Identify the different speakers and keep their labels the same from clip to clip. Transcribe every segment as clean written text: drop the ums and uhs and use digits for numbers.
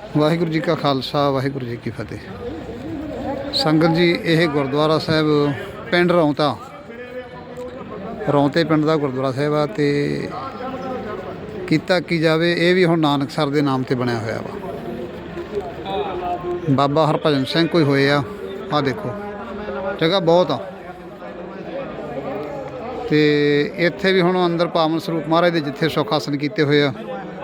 Speaker 1: ਵਾਹਿਗੁਰੂ ਜੀ ਕਾ ਖਾਲਸਾ ਵਾਹਿਗੁਰੂ ਜੀ ਕੀ ਫਤਿਹ। ਸੰਗਤ ਜੀ, ਇਹ ਗੁਰਦੁਆਰਾ ਸਾਹਿਬ ਪਿੰਡ ਰੌਂਤੇ ਪਿੰਡ ਦਾ ਗੁਰਦੁਆਰਾ ਸਾਹਿਬ ਆ ਤੇ ਕੀਤਾ ਕੀ ਜਾਵੇ, ਇਹ ਵੀ ਹੁਣ ਨਾਨਕਸਰ ਦੇ ਨਾਮ ਤੇ ਬਣਿਆ ਹੋਇਆ ਵਾ। ਬਾਬਾ ਹਰਭਜਨ ਸਿੰਘ ਕੋਈ ਹੋਏ ਆ ਦੇਖੋ, ਜਗ੍ਹਾ ਬਹੁਤ ਆ ਤੇ ਇੱਥੇ ਵੀ ਹੁਣ ਅੰਦਰ ਪਾਵਨ ਸਰੂਪ ਮਹਾਰਾਜ ਦੇ ਜਿੱਥੇ ਸੁੱਖ ਆਸਣ ਕੀਤੇ ਹੋਏ ਆ,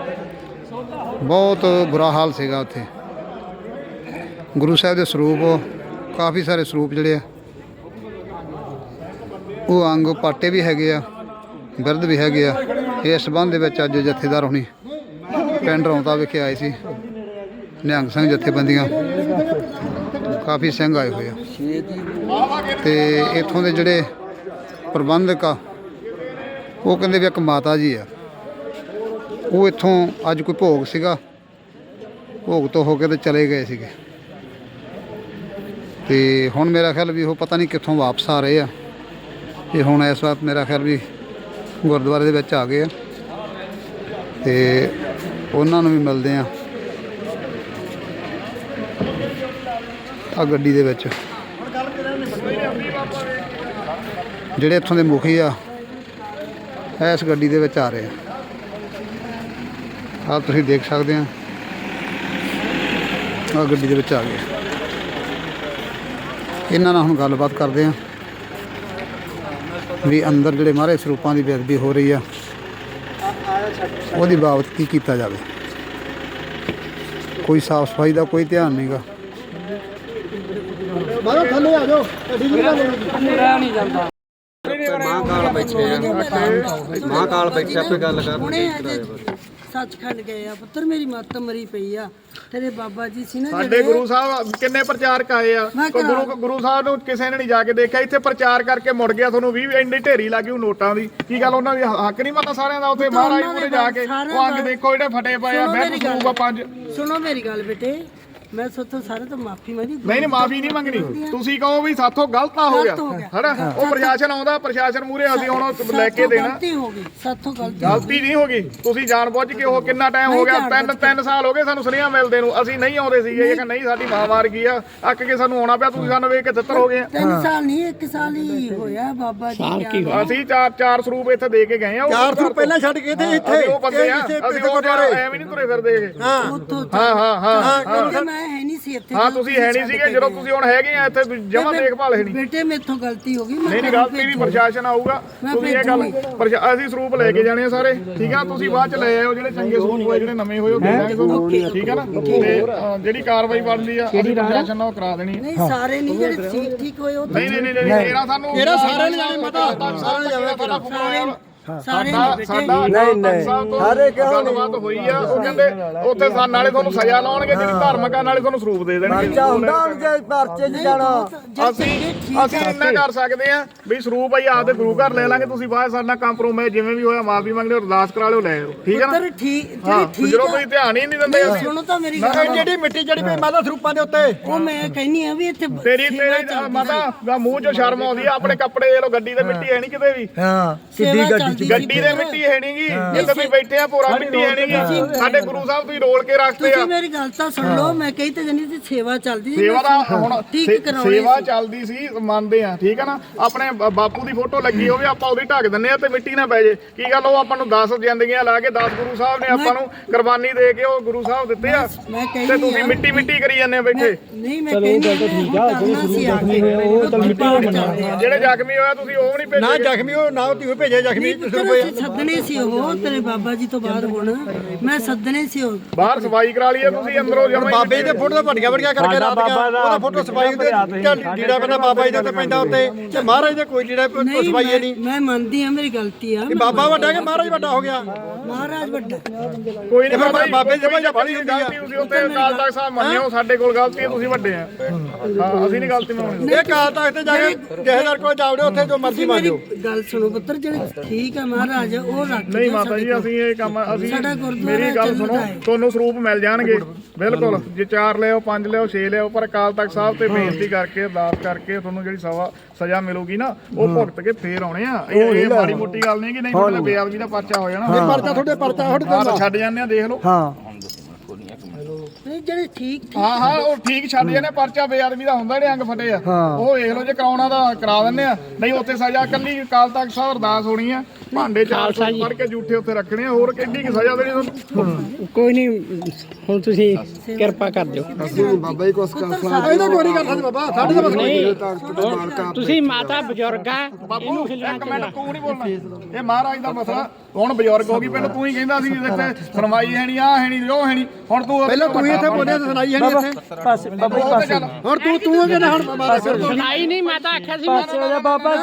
Speaker 1: ਬਹੁਤ ਬੁਰਾ ਹਾਲ ਸੀਗਾ ਉੱਥੇ। ਗੁਰੂ ਸਾਹਿਬ ਦੇ ਸਰੂਪ, ਕਾਫੀ ਸਾਰੇ ਸਰੂਪ ਜਿਹੜੇ ਆ ਉਹ ਅੰਗ ਪਾਟੇ ਵੀ ਹੈਗੇ ਆ, ਬਿਰਧ ਵੀ ਹੈਗੇ ਆ। ਇਸ ਸੰਬੰਧ ਦੇ ਵਿੱਚ ਅੱਜ ਜਥੇਦਾਰ ਹੋਣੀ ਪਿੰਡ ਰੌਂਤਾ ਵਿਖੇ ਆਏ ਸੀ। ਨਿਹੰਗ ਸਿੰਘ ਜਥੇਬੰਦੀਆਂ ਕਾਫੀ ਸਿੰਘ ਆਏ ਹੋਏ ਆ ਤੇ ਇੱਥੋਂ ਦੇ ਜਿਹੜੇ ਪ੍ਰਬੰਧਕ ਆ ਉਹ ਕਹਿੰਦੇ ਵੀ ਇੱਕ ਮਾਤਾ ਜੀ ਆ, ਉਹ ਇੱਥੋਂ ਅੱਜ ਕੋਈ ਭੋਗ ਸੀਗਾ, ਭੋਗ ਤੋਂ ਹੋ ਕੇ ਤੇ ਚਲੇ ਗਏ ਸੀਗੇ ਤੇ ਹੁਣ ਮੇਰਾ ਖਿਆਲ ਵੀ ਉਹ ਪਤਾ ਨਹੀਂ ਕਿੱਥੋਂ ਵਾਪਸ ਆ ਰਹੇ ਆ। ਇਹ ਹੁਣ ਇਸ ਵਕਤ ਮੇਰਾ ਖਿਆਲ ਵੀ ਗੁਰਦੁਆਰੇ ਦੇ ਵਿੱਚ ਆ ਗਏ ਆ ਤੇ ਉਹਨਾਂ ਨੂੰ ਵੀ ਮਿਲਦੇ ਆ ਗੱਡੀ ਦੇ ਵਿੱਚ। ਜਿਹੜੇ ਇੱਥੋਂ ਦੇ ਮੁਖੀ ਆ ਇਸ ਗੱਡੀ ਦੇ ਵਿੱਚ ਆ ਰਹੇ ਆ ਤੁਸੀਂ ਦੇਖ ਸਕਦੇ ਆ, ਗੱਡੀ ਦੇ ਵਿੱਚ ਆ ਗਏ। ਇਹਨਾਂ ਨਾਲ ਹੁਣ ਗੱਲਬਾਤ ਕਰਦੇ ਆ ਵੀ ਅੰਦਰ ਜਿਹੜੇ ਮਹਾਰਾਜ ਸਰੂਪਾਂ ਦੀ ਬੇਅਦਬੀ ਹੋ ਰਹੀ ਆ ਉਹਦੀ ਬਾਬਤ ਕੀ ਕੀਤਾ ਜਾਵੇ। ਕੋਈ ਸਾਫ ਸਫਾਈ ਦਾ ਕੋਈ ਧਿਆਨ ਨਹੀਂਗਾ। ਥੱਲੇ ਆ ਜਾਓ, ਨਹੀਂ ਜਾਂਦਾ।
Speaker 2: ਮਹਾਕਾਲ ਬੈਠੇ ਆਪੇ ਗੱਲ ਕਰਨੀ।
Speaker 3: ਸੱਚਖੰਡ ਗਏ ਆ ਪੁੱਤਰ, ਮੇਰੀ ਮੱਤ ਮਰੀ ਪਈ ਆ। ਤੇਰੇ ਬਾਬਾ ਜੀ ਸੀ ਨਾ
Speaker 4: ਸਾਡੇ ਗੁਰੂ ਸਾਹਿਬ ਕਿੰਨੇ ਪ੍ਰਚਾਰਕ ਆਏ ਆ, ਗੁਰੂ ਸਾਹਿਬ ਨੂੰ ਕਿਸੇ ਨੇ ਨਹੀਂ ਜਾ ਕੇ ਦੇਖਿਆ। ਇੱਥੇ ਪ੍ਰਚਾਰ ਕਰਕੇ ਮੁੜ ਗਿਆ। ਤੁਹਾਨੂੰ 20 ਇੰਨੀ ਢੇਰੀ ਲੱਗੀ ਉਹ ਨੋਟਾਂ ਦੀ। ਕੀ ਗੱਲ ਉਹਨਾਂ ਦੀ ਹੱਕ ਨਹੀਂ ਪਤਾ ਸਾਰਿਆਂ ਦਾ? ਉੱਥੇ ਮਹਾਰਾਜ ਕੋਲੇ ਜਾ ਕੇ ਉਹ ਅੰਗ ਦੇਖੋ ਜਿਹੜੇ ਫਟੇ ਪਏ ਆ, ਬੈਠ ਜੂਗਾ 5।
Speaker 3: ਸੁਣੋ ਮੇਰੀ ਗੱਲ ਬੇਟੇ, ਮੈਂ ਸਾਥੋਂ ਸਾਰੇ ਤੋਂ ਮਾਫੀ ਮੰਗੀ।
Speaker 4: ਨਹੀਂ ਮਾਫੀ ਨਹੀਂ ਮੰਗਣੀ। ਤੁਸੀਂ ਕਹੋ ਵੀ ਸਾਥੋਂ ਗਲਤ ਹੋ ਗਿਆ ਹੈਨਾ, ਉਹ ਪ੍ਰਸ਼ਾਸਨ ਆਉਂਦਾ, ਪ੍ਰਸ਼ਾਸਨ ਮੂਹਰੇ ਅਸੀਂ ਹੁਣ ਲੈ ਕੇ ਦੇਣਾ।
Speaker 3: ਗਲਤੀ ਹੋ ਗਈ ਸਾਥੋਂ,
Speaker 4: ਗਲਤੀ ਨਹੀਂ ਹੋ ਗਈ। ਤੁਸੀਂ ਜਾਣ ਬੁੱਝ ਕੇ ਉਹ ਕਿੰਨਾ ਟਾਈਮ ਹੋ ਗਿਆ, 3 ਸਾਲ ਹੋ ਗਏ ਸਾਨੂੰ ਸੁਨੇਹਾ ਮਿਲਦੇ ਨੂੰ। ਅਸੀਂ ਨਹੀਂ ਆਉਂਦੇ ਸੀਗੇ, ਇਹ ਕਿ ਨਹੀਂ ਸਾਡੀ ਮਾਂ ਮਾਰ ਗਈ ਆ, ਅੱਕ ਕੇ ਸਾਨੂੰ ਆਉਣਾ ਪਿਆ। ਤੁਸੀਂ ਸਾਨੂੰ ਵੇਖ ਕੇ ਤਿੱਤਰ ਹੋ ਗਏ।
Speaker 3: 3 ਸਾਲ ਨਹੀਂ 1 ਸਾਲ ਹੀ ਹੋਇਆ ਬਾਬਾ ਜੀ।
Speaker 4: ਅਸੀਂ ਚਾਰ ਸਰੂਪ ਇੱਥੇ ਦੇ ਕੇ ਗਏ ਆ।
Speaker 2: 4 ਸਰੂਪ ਪਹਿਲਾਂ ਛੱਡ ਕੇ ਤੇ ਇੱਥੇ
Speaker 4: ਉਹ ਬੰਦੇ ਆ, ਅਸੀਂ ਉਹ ਐਵੇਂ ਨਹੀਂ ਤੁਰੇ ਫਿਰਦੇ ਇਹ। ਹਾਂ
Speaker 3: ਮੈਂ ਹੈ ਨਹੀਂ ਸੀ ਇੱਥੇ।
Speaker 4: ਹਾਂ ਤੁਸੀਂ ਹੈ ਨਹੀਂ ਸੀਗੇ ਜਦੋਂ ਤੁਸੀਂ ਹੁਣ ਹੈਗੇ ਆ ਇੱਥੇ, ਜਮਾਂ ਦੇਖਭਾਲ ਹੈ ਨਹੀਂ।
Speaker 3: ਬੇਟੇ ਮੇਥੋਂ ਗਲਤੀ ਹੋ ਗਈ।
Speaker 4: ਨਹੀਂ ਗਲਤੀ ਵੀ ਪ੍ਰਸ਼ਾਸਨ ਆਊਗਾ। ਤੁਸੀਂ ਇਹ ਗੱਲ ਅਸੀਂ ਸਰੂਪ ਲੈ ਕੇ ਜਾਣੇ ਆ ਸਾਰੇ, ਠੀਕ ਆ। ਤੁਸੀਂ ਬਾਅਦ ਚ ਲੈ ਆਇਓ ਜਿਹੜੇ ਚੰਗੇ ਸਰੂਪ ਹੋਏ, ਜਿਹੜੇ ਨਵੇਂ ਹੋਏ ਉਹ ਦੇ ਦਾਂਗੇ ਤੁਹਾਨੂੰ, ਠੀਕ ਆ ਨਾ। ਤੇ ਜਿਹੜੀ ਕਾਰਵਾਈ ਬਣਦੀ ਆ ਅਸੀਂ ਪ੍ਰਸ਼ਾਸਨ ਨਾਲ ਕਰਾ ਦੇਣੀ ਹੈ।
Speaker 3: ਨਹੀਂ ਸਾਰੇ ਨਹੀਂ, ਜਿਹੜੇ ਠੀਕ ਹੋਏ ਉਹ
Speaker 4: ਨਹੀਂ ਇਹਦਾ ਸਾਨੂੰ
Speaker 2: ਸਾਰੇ ਨੇ ਜਾਣੇ ਪਤਾ, ਸਾਰੇ ਜਾਵੇ
Speaker 4: ਸਾਡਾ ਸਾਰੇ ਗੱਲਬਾਤ ਹੋਈ ਆ। ਉਹ ਕਹਿੰਦੇ ਉੱਥੇ ਨਾਲੇ ਤੁਹਾਨੂੰ ਸਜ਼ਾ ਲਾਉਣਗੇ ਜਿਹੜੀ ਧਾਰਮਿਕ ਆ, ਨਾਲੇ ਤੁਹਾਨੂੰ ਸਰੂਪ ਦੇ ਦੇਣਗੇ। ਅਸੀਂ ਇੰਨਾ ਕਰ ਸਕਦੇ ਆ ਵੀ ਸਰੂਪ ਆਈ ਆਪਦੇ ਗੁਰੂ ਘਰ ਲੈ ਲਾਂਗੇ। ਤੁਸੀਂ ਬਾਅਦ ਸਾਡਾ ਕੰਪਰੋਮਾਈਜ਼ ਜਿਵੇਂ ਵੀ ਹੋਇਆ ਮਾਫੀ ਮੰਗਦੇ ਹੋ, ਅਰਦਾਸ ਕਰਾ ਲਿਓ, ਲੈ ਆਓ, ਠੀਕ ਆ ਨਾ। ਜਦੋਂ ਤੁਸੀਂ ਧਿਆਨ ਹੀ ਨਹੀਂ ਦਿੰਦੇ।
Speaker 3: ਸੁਣੋ ਤਾਂ ਮੇਰੀ ਗੱਲ,
Speaker 2: ਜਿਹੜੀ ਮਿੱਟੀ ਜਿਹੜੀ ਪਈ ਮਾਤਾ ਸਰੂਪਾਂ ਦੇ ਉੱਤੇ,
Speaker 3: ਉਹ ਮੈਂ ਕਹਿੰਨੀ ਆ ਵੀ ਇੱਥੇ
Speaker 4: ਤੇਰੀ ਮਾਤਾ ਮੂੰਹ ਚੋਂ ਸ਼ਰਮ ਆਉਂਦੀ ਆ। ਆਪਣੇ ਕੱਪੜੇ ਦੇ ਲੋ, ਗੱਡੀ ਤੇ ਮਿੱਟੀ ਹੈ ਨਹੀਂ ਕਿਤੇ ਵੀ। ਗੱਡੀ ਦੇ ਮਿੱਟੀ ਹੈ ਨੀ ਗੀ, ਜਿੱਥੇ ਤੁਸੀਂ ਬੈਠੇ ਆ ਪੂਰਾ ਮਿੱਟੀ ਹੈ ਨੀ ਗੀ। ਸਾਡੇ ਗੁਰੂ ਸਾਹਿਬ ਤੁਸੀਂ ਰੋਲ ਕੇ ਰੱਖਦੇ ਆ।
Speaker 3: ਤੁਸੀਂ ਮੇਰੀ ਗੱਲ ਤਾਂ ਸੁਣ ਲਓ, ਮੈਂ ਕਹੀ ਤੇ ਜਣੀ ਦੀ ਸੇਵਾ ਚੱਲਦੀ ਸੀ।
Speaker 4: ਸੇਵਾ ਦਾ ਹੁਣ ਸੇਵਾ ਚੱਲਦੀ ਸੀ, ਮੰਨਦੇ ਆ, ਠੀਕ ਆ ਨਾ। ਆਪਣੇ ਬਾਪੂ ਦੀ ਫੋਟੋ ਲੱਗੀ ਹੋਵੇ, ਆਪਾਂ ਉਹਦੀ ਢੱਕ ਦਿੰਨੇ ਆ ਤੇ ਮਿੱਟੀ ਨਾ ਪੈ ਜੇ। ਕੀ ਗੱਲ, ਉਹ ਆਪਾਂ ਨੂੰ 10 ਜ਼ਿੰਦਗੀਆਂ ਲਾ ਕੇ 10 ਗੁਰੂ ਸਾਹਿਬ ਨੇ ਆਪਾਂ ਨੂੰ ਕੁਰਬਾਨੀ ਦੇ ਕੇ ਉਹ ਗੁਰੂ ਸਾਹਿਬ ਦਿੱਤੇ ਆ, ਤੇ ਤੁਸੀਂ ਮਿੱਟੀ ਕਰੀ ਜਾਂਦੇ ਆ ਬੈਠੇ।
Speaker 3: ਨਹੀਂ ਮੈਂ ਕਹਿੰਦੀ ਕਰਨਾ ਸੀ ਆ ਕੇ
Speaker 4: ਜਿਹੜੇ ਜ਼ਖਮੀ ਹੋਇਆ ਤੁਸੀਂ ਉਹ ਨਹੀਂ ਭੇਜੇ?
Speaker 2: ਨਾ ਜ਼ਖਮੀ ਉਹ ਨਾ ਤੁਸੀਂ ਭੇਜੇ ਜ਼ਖਮੀ
Speaker 3: ਸੱਦਣੇ ਸੀ ਉਹ ਤੇਰੇ ਬਾਬਾ ਜੀ ਤੋਂ ਬਾਅਦ। ਹੁਣ ਮੈਂ ਸੱਦਣੇ ਸੀ ਉਹ
Speaker 4: ਬਾਹਰ ਸਫਾਈ ਕਰਾ ਲਈ ਤੁਸੀਂ ਅੰਦਰੋਂ ਜਮਾ।
Speaker 2: ਬਾਬੇ ਜੀ ਦੇ ਫੋਟੋ ਤਾਂ ਵੱਡੀਆਂ ਕਰਕੇ ਰਾਤੀਆਂ ਉਹਦਾ ਫੋਟੋ ਸਫਾਈ ਦੇ ਲੀੜਾ ਪੈਂਦਾ ਬਾਬਾ ਜੀ ਦੇ ਉੱਤੇ ਪੈਂਦਾ ਉੱਤੇ, ਤੇ ਮਹਾਰਾਜ ਦੇ ਕੋਈ ਲੀੜਾ ਸਫਾਈ ਨਹੀਂ।
Speaker 3: ਮੈਂ ਮੰਨਦੀ ਆ ਮੇਰੀ ਗਲਤੀ ਆ।
Speaker 2: ਬਾਬਾ ਵੱਡਾ ਕਿ ਮਹਾਰਾਜ ਵੱਡਾ ਹੋ ਗਿਆ?
Speaker 3: ਮਹਾਰਾਜ ਵੱਡਾ
Speaker 4: ਕੋਈ ਨਹੀਂ। ਬਾਬੇ ਦੀ ਬੜੀ ਗਲਤੀ ਤੁਸੀਂ ਉੱਤੇ ਅਕਾਲ ਤਖਤ ਸਾਹਿਬ ਮੰਨਿਓ, ਸਾਡੇ ਕੋਲ ਗਲਤੀ ਹੈ, ਤੁਸੀਂ ਵੱਡੇ ਆ। ਹਾਂ ਅਸੀਂ ਨਹੀਂ ਗਲਤੀ ਮੰਨਣੀ।
Speaker 2: ਇਹ ਅਕਾਲ ਤਖਤ ਤੇ ਜਾ ਕੇ ਜਹੇਦਾਰ ਕੋਲ ਜਾਵੜੇ, ਉੱਥੇ ਜੋ ਮਰਜ਼ੀ ਮੰਨੋ।
Speaker 3: ਗੱਲ ਸੁਣੋ ਪੁੱਤਰ, ਜਿਹੜੇ ਠੀਕ ਆ ਮਹਾਰਾਜ ਉਹ ਰੱਖ।
Speaker 4: ਨਹੀਂ ਮਾਤਾ ਜੀ, ਅਸੀਂ ਇਹ ਕੰਮ ਮੇਰੀ ਗੱਲ ਸੁਣੋ, ਤੁਹਾਨੂੰ ਸਰੂਪ ਮਿਲ ਜਾਣਗੇ ਬਿਲਕੁਲ। ਜੇ 4 ਲਿਓ 5 ਲਿਓ 6 ਲਿਓ, ਪਰ ਅਕਾਲ ਤਖਤ ਸਾਹਿਬ ਤੇ ਬੇਨਤੀ ਕਰਕੇ ਅਰਦਾਸ ਕਰਕੇ ਤੁਹਾਨੂੰ ਜਿਹੜੀ ਸਜ਼ਾ ਮਿਲੂਗੀ ਨਾ, ਉਹ ਭੁਗਤ ਕੇ ਫੇਰ ਆਉਣੇ ਆ। ਇਹ ਮਾੜੀ ਮੋਟੀ ਗੱਲ ਨਹੀਂ ਕਿ ਨਹੀਂ ਤੁਹਾਡੇ ਬੇਅਦਬੀ ਦਾ ਪਰਚਾ ਹੋ ਜਾਣਾ।
Speaker 2: ਪਰਚਾ ਤੁਹਾਡੇ
Speaker 4: ਛੱਡ ਜਾਂਦੇ ਆ, ਦੇਖ ਲਓ।
Speaker 2: ਹਾਂ
Speaker 3: ਨਹੀਂ ਜਿਹੜੇ ਠੀਕ
Speaker 4: ਹਾਂ ਉਹ ਠੀਕ ਛੱਡ ਜਾਂਦੇ ਪਰਚਾ ਬੇਅਦਬੀ ਦਾ ਹੁੰਦਾ ਜਿਹੜੇ ਅੰਗ ਫਟੇ ਆ ਉਹ ਵੇਖ ਲਓ ਜੇ ਕਰਾਉਣਾ ਤਾਂ ਕਰਾ ਦਿੰਦੇ ਆ ਨਹੀਂ ਉੱਥੇ ਸਜ਼ਾ ਕੱਲੀ ਅਕਾਲ ਤਖਤ ਸਾਹਿਬ ਅਰਦਾਸ ਹੋਣੀ ਆ ਭਾਂਡੇ 400 ਫੜ ਕੇ ਜੂਠੇ ਉੱਥੇ ਰੱਖਣੇ ਆ ਹੋਰ ਕਿੰਨੀ ਕੀ ਸਜ਼ਾ ਦੇਣੀ ਤੁਹਾਨੂੰ
Speaker 5: ਕੋਈ ਨਹੀਂ ਹੁਣ ਤੁਸੀਂ ਕਿਰਪਾ ਕਰ ਦਿਓ
Speaker 2: ਬਾਬਾ ਜੀ ਕੁਛ ਕਰ ਇਹਦਾ ਕੋਈ ਨਹੀਂ ਕਰ ਸਕਦੇ ਬਾਬਾ ਸਾਡੇ ਦਾ ਬਸ
Speaker 5: ਤੁਸੀਂ ਮਾਤਾ ਬਜ਼ੁਰਗ ਆ
Speaker 4: ਬਾਪੂ ਇੱਕ ਮਿੰਟ ਤੂੰ ਨਹੀਂ ਬੋਲਣਾ ਇਹ ਮਹਾਰਾਜ ਦਾ ਮਸਲਾ ਹੁਣ ਬਜ਼ੁਰਗ ਹੋ ਗਈ ਪਹਿਲਾਂ ਤੂੰ ਹੀ ਕਹਿੰਦਾ ਸੀ ਇੱਥੇ ਸੁਣਵਾਈ ਹੈ ਨਹੀਂ ਆ ਹੈ ਨਹੀਂ ਉਹ ਹੈ ਨਹੀਂ ਹੁਣ ਤੂੰ
Speaker 2: ਪਹਿਲਾਂ ਤੂੰ ਇੱਥੇ ਬੋਲਿਆ ਤੇ ਸੁਣਾਈ ਹੈ ਨਹੀਂ ਇੱਥੇ
Speaker 5: ਬਸ ਬਾਬਾ ਜੀ ਪਾਸੇ
Speaker 2: ਹੁਣ ਤੂੰ ਕਹਿੰਦਾ ਹੁਣ ਬਾਬਾ ਫਿਰ ਤੂੰ
Speaker 5: ਸੁਣਾਈ ਨਹੀਂ ਮੈਂ ਤਾਂ ਆਖਿਆ ਸੀ ਪਾਸੇ ਹੋ ਜਾ ਬਾਬਾ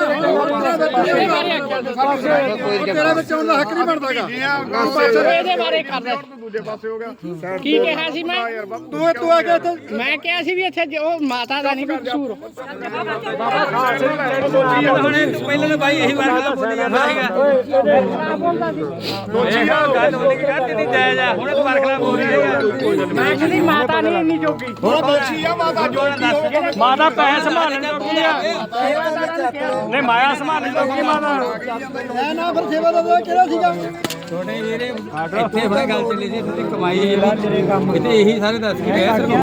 Speaker 2: ਤੇਰੇ ਵਿੱਚ ਆਉਣ ਦਾ ਹੱਕ ਨਹੀਂ ਬਣਦਾਗਾ
Speaker 5: ਇਹਦੇ ਬਾਰੇ ਕਰ ਦੇ
Speaker 4: ਦੂਜੇ ਪਾਸੇ ਹੋ ਗਿਆ
Speaker 5: ਕੀ ਕਿਹਾ ਸੀ ਮੈਂ
Speaker 2: ਤੂੰ ਆ ਕੇ ਇੱਥੇ
Speaker 5: ਮੈਂ ਕਿਹਾ ਸੀ ਵੀ ਇੱਥੇ ਉਹ ਮਾਤਾ ਦਾ ਨਹੀਂ ਕੋਈ ਕਸੂਰ
Speaker 6: ਪਹਿਲਾਂ ਤਾਂ ਬਾਈ ਇਹੀ ਵਾਰ ਬੋਲੀ ਜਾਂਦਾ ਸੀਗਾ ਗੱਲ ਬੋਲੀ ਕਿ ਗੱਲ ਨਹੀਂ ਜਾਇਜ਼ ਆ ਹੁਣ ਦੁਬਾਰਾ ਖਿਲਾਫ ਹੋ ਰਹੀ ਹੈ
Speaker 5: ਮੈਂ ਕਹਿੰਦੀ ਮਾਤਾ ਨਹੀਂ ਇੰਨੀ ਜੋਗੀ
Speaker 4: ਹੁਣ ਦੋਸ਼ੀ ਆ ਮਾਤਾ ਜੋਗੀ ਹੋਵੇ
Speaker 6: ਮਾਤਾ ਪੈਸੇ ਸੰਭਾਲਣ ਜੋਗੀ ਆ ਨਹੀਂ ਮਾਇਆ ਸੰਭਾਲਣ ਜੋਗੀ ਮਾਤਾ
Speaker 2: ਐ ਨਾ ਫਿਰ ਸੇਵਾ ਦਾ ਕਿਹੜਾ ਸੀਗਾ
Speaker 6: ਛੋਟੇ ਵੀਰੇ ਇੱਥੇ ਬੜਾ ਗੱਲ ਚੱਲੀ ਸੀ ਤੁਸੀਂ ਕਮਾਈ ਜਿਹੜੀ ਕਿਤੇ ਇਹੀ ਸਾਰੇ ਦੱਸ ਕੇ ਗਏ